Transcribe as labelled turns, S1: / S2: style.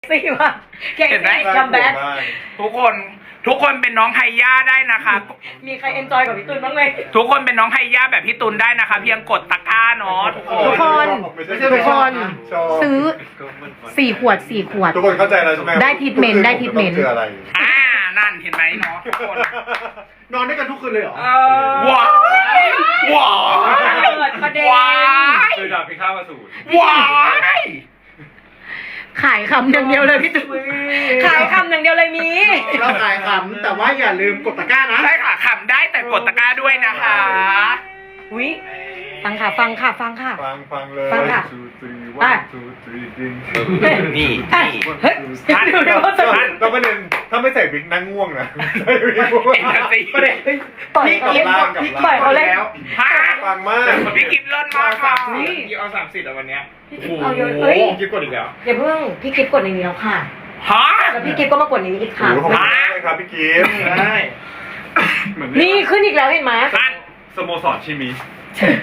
S1: ซี่ว่ะเห็นไหมคัมแบ็ค
S2: ทุกคนเป็นน้องไฮย่าได้นะคะ
S1: มีใครเอนจอยกับพี่ตุลบ้างไหม
S2: ทุกคนเป็นน้องไฮย่าแบบพี่ตุลได้นะคะ เพียงกดตะกร้าเนาะ
S1: ทุกคนทุกคนซื้อ4 ขวด
S3: ทุกคนเข้าใจแล้วใช่ไหม
S1: ได้ทิทเมนต์ได้ทิทเมนต์
S3: คืออะไร
S2: นั่นเห็นไหมเนาะทุกคน
S4: นอนด้วยกันทุกคืนเลยเหรอ
S2: ว้ายว้าย
S1: เกิดประเด็น
S2: ว้าย
S5: คือดาบพิฆาตอสูร
S2: ว้าย
S1: ขายคำอย่างเดียวเลยพี่ตุลขายคำอย่างเดียวเลยมี
S4: เราขายขำแต่ว่าอย่าลืมกดตะกร้านะ
S2: ใช่ค่ะขำได้แต่กดตะกร้าด้วยนะคะ
S1: วิฟังค่ะฟังค่ะ
S3: ฟังเลย
S1: ฟังค่ะ
S2: นี่
S1: เฮ้ยดูดิว่า
S3: แล้วประเด็นถ้าไม่ใส่บิ๊กนั่งง่วงนะ
S2: เอ็นเตอร์ซี
S4: ประเด็น
S1: ปล่อย
S4: พี่
S1: เขา
S4: กิ๊บ
S1: ปล่อยเขาเล่น
S2: ฮะ
S3: ฟังมาก
S2: พี่กิฟเลิศมากค่ะ
S5: พี่เอา30วันเนี้ย
S1: เอาเยอะเฮ้ย
S5: กิ๊บกดอีกแล้ว
S1: อย่าเพิ่งพี่กิฟกดในนี้แล้วค่ะ
S2: ฮะ
S1: แล้วพี่กิฟก็มากดในนี้อีกค่ะ
S3: โอ้ขอบคุณมากเลยครับพี่กิฟต์
S5: ใช่เหมือน
S1: นี่ขึ้นอีกแล้วเห็นไหม
S2: นั่น
S5: สโมสรชิมิ